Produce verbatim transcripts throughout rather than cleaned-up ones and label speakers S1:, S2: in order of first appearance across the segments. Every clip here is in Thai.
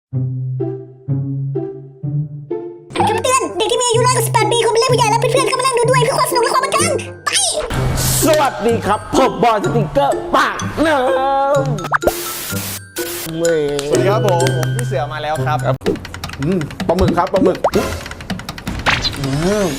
S1: คำเตือนเด็กที่มีอายุน้อยกว่าสิบแปดปีควรเป็นเล่นผู้ใหญ่และเพื่อนๆเข้ามานั่งดูด้วยเพื่อความสนุกและความบันเทิงไป
S2: สวัสดีครับผมบอยสติ๊กเกอร์ปากน้ำเว้ย
S3: สวัสดีครับผมผมพี่เสือมาแล้วครับ
S2: อืมปลาหมึกครับปลาหมึกอืม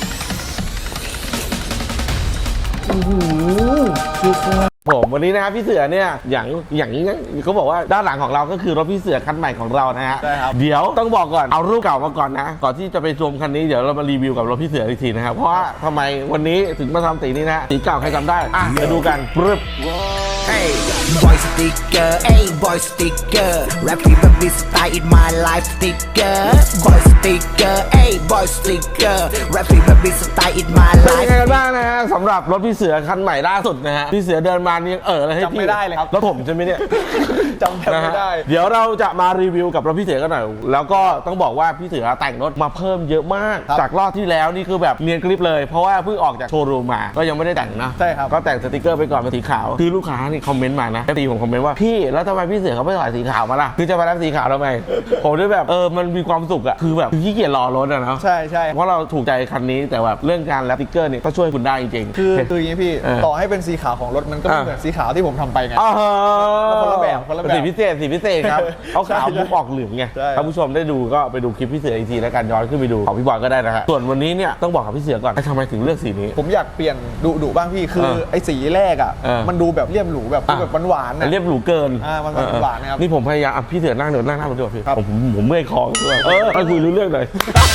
S2: ผมวันนี้นะครับพี่เสือเนี่ยอย่างอย่างนี้เขาบอกว่าด้านหลังของเราก็คือรถพี่เสือคันใหม่ของเรานะฮะ
S3: ใช่ครับ
S2: เดี๋ยวต้องบอกก่อนเอารูปเก่ามาก่อนนะก่อนที่จะไปชมคันนี้เดี๋ยวเรามารีวิวกับรถพี่เสืออีกทีนะครับเพราะว่าทำไมวันนี้ถึงมาทำสีนี้นะสีเก่าใครจำได้อ่ะมาดูกันปึ๊บ
S4: Hey, boy sticker, hey boy sticker, rapping baby style in my life sticker. Boy sticker, hey boy sticker, rapping baby style in my
S2: เป็นยัง
S4: life.
S2: ไงกันบ้างนะฮะสำหรับรถพี่เสือคันใหม่ล่าสุดนะฮะพี่เสือเดินมานี่ยังเออเลยให้พี่
S3: จำไม่ได้เลยครับ
S2: รถผมใช่ไหมเนี่ย
S3: จำแทบไม่ได้
S2: นะฮะเดี๋ยวเราจะมารีวิวกับรถพี่เสือกันหน่อยแล้วก็ต้องบอกว่าพี่เสือแต่งรถมาเพิ่มเยอะมาก
S3: ครับ
S2: จากรอบที่แล้วนี่คือแบบเนียนกริบเลยเพราะว่าเพิ่งออกจากโชว์รูมมาก็ยังไม่ได้แต่งนะ
S3: ใช่ครับ
S2: ก็แต่งสติกเกอร์ไปก่อนเป็นสีขาวคือลูกค้านี่คอมเมนต์มานะตีผมคอมเมนต์ว่าพี่แล้วทำไมพี่เสือเขาไม่ใส่สีขาวมาล่ะคือจะมาทำสีขาวทำไมผมด้วยแบบเออมันมีความสุขอะคือแบบขี้เกียจรอรถอะเนาะ
S3: ใช่ใช่
S2: เพราะเราถูกใจคันนี้แต่แบบเรื่องการแรปสติกเกอร์เนี่ยก็ช่วยคุณได้จริงๆ
S3: คือคืออย่างนี้พี่
S2: เออ
S3: ต่อให้เป็นสีขาวของรถมันก็ไม่
S2: อ่ะ
S3: เหมือนสีขาวที่ผมทำไปไง
S2: อ๋อ
S3: คนละแบบคนละแบบ
S2: สีพิเศษสีพิเศษครับเขาขาว
S3: ใช่
S2: มุกออกเหลืองไง
S3: ใช่
S2: ถ้าผู้ชมได้ดูก็ไปดูคลิปพี่เสืออีกทีแล้วกันย้อนขึ้นไปดูของพี่บอยก็ได้นะฮะส่วนวันนี้เนี่ยต้องบอกกับพี่เสือก่อนทำไมถึงเลือกสีนี้
S3: ผมอยากเปลี่ยนดุดุบ้างพี่คือ
S2: เออ
S3: ไอ้สีแรกอ่ะ
S2: เออ
S3: มันดูแบบเลี่ยมหรูแบบดูแบบหวานๆนะ
S2: เรียบหรูเกิน
S3: อ่ามันหวานๆนะครับ
S2: นี่ผมพยายามอ่ะพี่เสือนั่งเดี๋ยวนั่งหน้าผมด้วยพี่
S3: ครับ
S2: ผมผมผมเมื่อยคอด้วยเออมาคุยรู้เรื่องหน่อย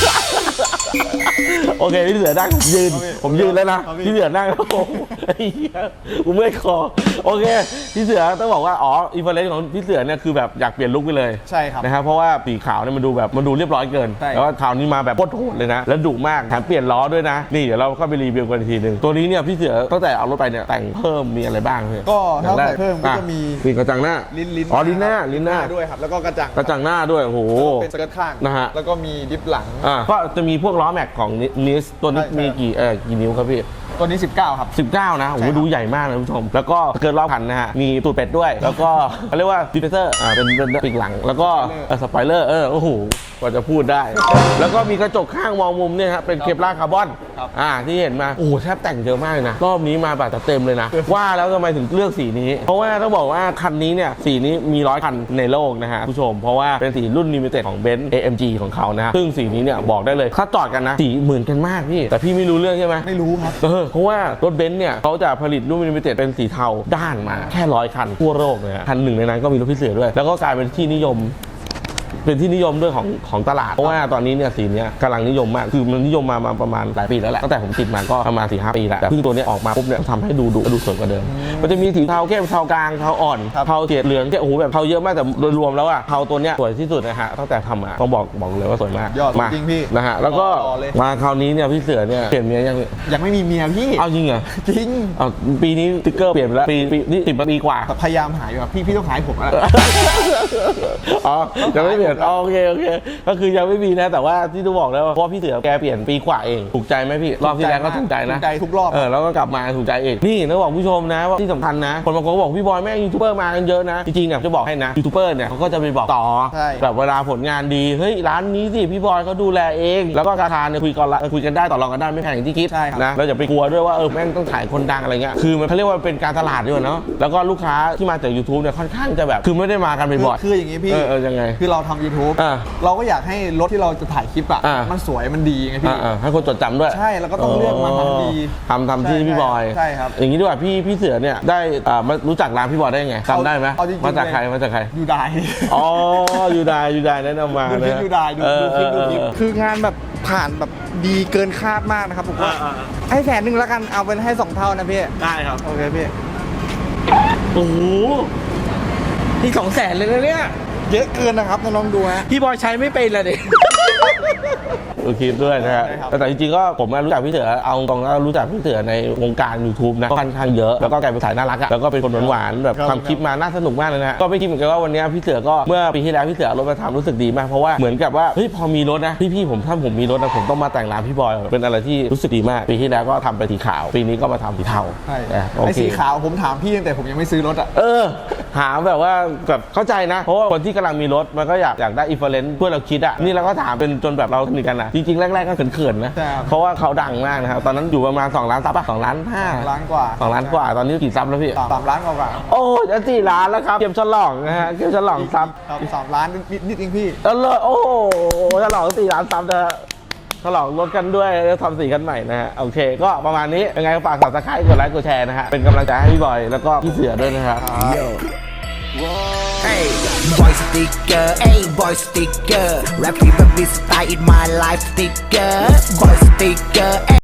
S2: โอเคพี่เสือนั่งผมยืนผมยืนแล้วนะพี่เสือนั่งแล้วผมไอ้เหี้ยผมเมื่อยคอโอเคพี่เสือต้องบอกว่าอ๋ออีเฟอร์เรนซ์ของพี่เสือเนี่ยคือแบบอยากเปลี่ยนลุคไปเลย
S3: ใช่ครับ
S2: นะครับเพราะว่าสีขาวเนี่ยมันดูแบบมันดูเรียบร้อยเกิน
S3: ใช่
S2: แล้วก็คราวนี้มาแบบโคตรโหดเลยนะแล้วดุมากแถมเปลี่ยนล้อด้วยนะนี่เดี๋ยวเราเข้าไปรีวิวกันอีกทีหนึ่งตัวนี้เนี่ยพี่เสือตั้งแต่เอารถไปเนี่ยแต่งเพิ่มมีอะไรบ้างพี่
S3: ก็ถ้า
S2: อย่งแร
S3: ใส่เพิ่มก็จะมี
S2: ปีกระจังหน้า
S3: ลิ้นลิ้น
S2: อ๋อลิ้นหน้าลิ้นหน้า
S3: ด้วยครับแล้วก็กระจัง
S2: กระจังหน้าด้วยโอ้โห
S3: เป็นสเกิร์ตข้าง
S2: นะฮะ
S3: แล้วก็มีดิฟหลัง
S2: อ่าก็จะมีพวกล้อแม็กของนิสตัวนี้
S3: ใช่ใช่
S2: มีกี่เออกี่นิ้วครับพี่
S3: ตัวนี้สิบเก้าครับ
S2: สิบเก้านะโอ้โห
S3: ใช่ครับ
S2: ดูใหญ่มากนะคุณผู้ชมแล้วก็เกินรอบพันนะฮะมีตูดเป็ดด้วย แล้วก็เขาเรียกว่าดิฟเฟเซอร์อ่าเป็นเป็นปีกหลังแล้วก็สปอยเลอร์เออโอ้โหกว่าจะพูดได้ แล้วก็มีกระจกข้างมองมุมเนี่ยฮะเป็นเคปลาร์คาร์บอน
S3: ครับ
S2: อ่าที่เห็นมาโอ้โหแทบแต่งเยอะมากเลยนะรอบนี้มาแบบเต็มเลยนะ ว่าแล้วทำไมถึงเลือกสีนี้ เพราะว่าต้องบอกว่าคันนี้เนี่ยสีนี้มีร้อยคันในโลกนะฮะผู้ชม เพราะว่าเป็นสีรุ่นลิมิเต็ดของเบนซ์ เอ เอ็ม จี ของเขานะฮะซึ่งสีนี้เนี่ยบอกได้เลยถ้าจอดกันนะสีเหมือนกันมากพี่แต่พี่ไม่รู้เรื่องใช่ไหม
S3: ไม่รู้ครับ
S2: เออเพราะว่ารถเบนซ์เนี่ยเขาจะผลิตรุ่นลิมิเต็ดเป็นสีเทาด้านมาแค่ร้อยคันทั่วโลกเลยฮะคันหนึ่งในนั้นก็มีรถพิเศษด้วย แล้วก็กลายเป็นที่นิยม เป็นที่นิยมด้วยของของตลาดเพราะว่าตอนนี้เนี่ยสีเนี้ยกำลังนิยมมากคือมันนิยมมามาประมาณหลายปีแล้วแหละตั้งแต่ผมติดมาก็ประมาณสี่ห้าปีแล้วแต่เพิ่งตัวเนี้ยออกมาปุ๊บเนี่ยทำให้ดูดุดูสวยกว่าเดิมมันจะมีสีเทาเข้มเทากลางเทาอ่อน
S3: ครับ
S2: เทาเฉดเหลืองเนี่ยโอ้โหแบบเทาเยอะมากแต่โดยรวมแล้วอะเทาตัวเนี้ยสวยที่สุดนะฮะตั้งแต่ทำมาต้องบอกบอกเลยว่าสวยมาก
S3: ยอด
S2: มา
S3: จริงพี่
S2: นะฮะแล้วก็
S3: รอเลย
S2: มาคราวนี้เนี่ยพี่เสือเนี่ยเปลี่ยนเมียยัง
S3: ยังไม่มีเมียพี่
S2: เอาจริงเหรอ
S3: จริง
S2: เอาปีนี้สติ๊กเกอร์เปลี่ยนไปแล้วปีปีนี่สิบปีกว่า
S3: พยายามหาอยู่ครับพี่พี่ต้องหายผมแล้ว
S2: อ๋อยังไม่เปลี่ยนอ๋อโอเคโอเคก็คือยังไม่มีนะแต่ว่าที่ต้องบอกแล้วว่าเพราะว่าพี่เสือแกเปลี่ยนปีกว่าเองถูกใจไหมพี่รอบที่แล้วก็ถูกใจนะ
S3: ถูกใจทุกรอบ
S2: เออแล้วก็กลับมาถูกใจเองนี่ต้องบอกผู้ชมนะว่าที่สำคัญนะคนบางคนก็บอกพี่บอยแม่งยูทูบเบอร์มากันเยอะนะจริงๆเนี่ยจะบอกให้นะยูทูบเบอร์เนี่ยเขาก็จะไปบอกต่อ
S3: ใช่
S2: แบบเวลาผลงานดีเฮ้ยร้านนี้สิพี่บอยเขาดูแลเองแล้วก็ราคาเนี่ยคุยกันละคุยกันได้ต่อรองกันได้ไม่แพงอย่างที่คิด
S3: ใช่ครับ
S2: นะแล้วอย่าไปกลัวด้วยว่าเออแม่งต้องขายคนดังอะไรเงี้ยคือมันเขาเรียกว่าเป็นการตลาดด้วยเนาะแล้วก็ลูกค้าที่มาจาก YouTube เนี่ยค่อนข้างจะแบบคือไม่ได้มากันบ่อย
S3: คืออย่างงี้พี่
S2: เออเออยังไง
S3: คือเราทำ YouTube
S2: อ่า
S3: เราก็อยากให้รถที่เราจะถ่ายคลิปอ่ะ
S2: อ่ามั
S3: มันสวยมันดีไงพี่
S2: อ่าๆให้คนจดจำด้วย
S3: ใช่แล้วก็ต้องเลือกมาทำดี
S2: ทำทำที่
S3: ใช่
S2: พี่บอย
S3: ใช่ครับ
S2: อย่างนี้ดีกว่าพี่พี่เสือเนี่ยได้อ่ามารู้จักร้านพี่บอยได้ไงจำได้ไหม
S3: เอาจริงๆ
S2: มาจากใคร
S3: เลย
S2: มาจากใคร
S3: ยูได
S2: อ๋อยูไดยูไดแนะนำมา
S3: ดูคลิป
S2: นะ
S3: ยูไดดู
S2: เออ
S3: ดูคลิปดูคลิป
S2: เออ
S3: คืองานแบบผ่านแบบดีเกินคาดมากนะครับผมว่า
S2: อ่า
S3: ให้แสนหนึ่งแล้วกันเอาเป็นให้สองเท่านะพี่
S2: ได้ครับ
S3: โอเคพี่
S2: โอ้โหนี่สองแสนเลยนะเนี่ย
S3: เยอะเกินนะครับน้องๆดูฮะ
S2: พี่บอยใช้ไม่เป็นเลยดิดูคลิปด้วยนะฮะ
S3: ใช่ครับ
S2: แต่จริงๆก็ผมรู้จักพี่เสือเอาตรงๆแล้วรู้จักพี่เสือในวงการ YouTube นะก็ค่อนข้างเยอะแล้วก็กลายเป็นสายน่ารักอะแล้วก็เป็นคนหวานๆแบบทำคลิปมาน่าสนุกมากเลยนะฮะก็ไม่คิดเหมือนกันว่าวันนี้พี่เสือก็เมื่อปีที่แล้วพี่เสือเอารถมาทำรู้สึกดีมากเพราะว่าเหมือนกับว่าเฮ้ยพอมีรถนะพี่ๆผมถ้าผมมีรถนะผมต้องมาแต่งร้านพี่บอยเป็นอะไรที่รู้สึกดีมากปีที่แล้วก็ทำไปสีขาวปีนี้ก็มาทำสีเทา
S3: ใช่
S2: นะโอ
S3: ไอ้
S2: เค
S3: สีขาวผมถามพี่ตั้งแต่ผมยังไม่ซื้อรถอ่ะ
S2: เออหาแบบว่าแบบเข้าใจนะ เพราะว่าคนที่กำลังมีรถมันก็อยากอยากได้อินฟลูเอนซ์เพื่อเราคิดอ่ะนี่เราก็ถามเป็นจนแบบเราสนิทกันนะจริงๆแรกๆก็เขินๆนะ
S3: ใช่ครับ
S2: เพราะว่าเขาดังมากนะครับตอนนั้นอยู่ประมาณสองล้านซับป่ะสองล้านห้า
S3: ล้านกว่า
S2: สองล้านกว่าตอนนี้กี่ซับแล้วพี่
S3: สามสามล้านกว่า
S2: โอ้จะสี่ล้านแล้วครับเกมฉลองนะฮะเกมฉลองซับ
S3: ครับสามล้านนิดนิดเองพี่
S2: แล้วเลยโอ้โหฉลองสี่ล้านซับนะฉลองรถกันด้วยแล้วทำสีกันใหม่นะฮะโอเค ก็ประมาณนี้ยังไงก็ฝากSubscribeกดไลค์กดแชร์นะฮะเป็นกำลังใจให้พี่บอยแล้วก็พี่เสือด้วยนะครับ
S4: Hey, boy sticker, hey boy sticker. Rap free, but this style in my life sticker. Boy sticker, hey.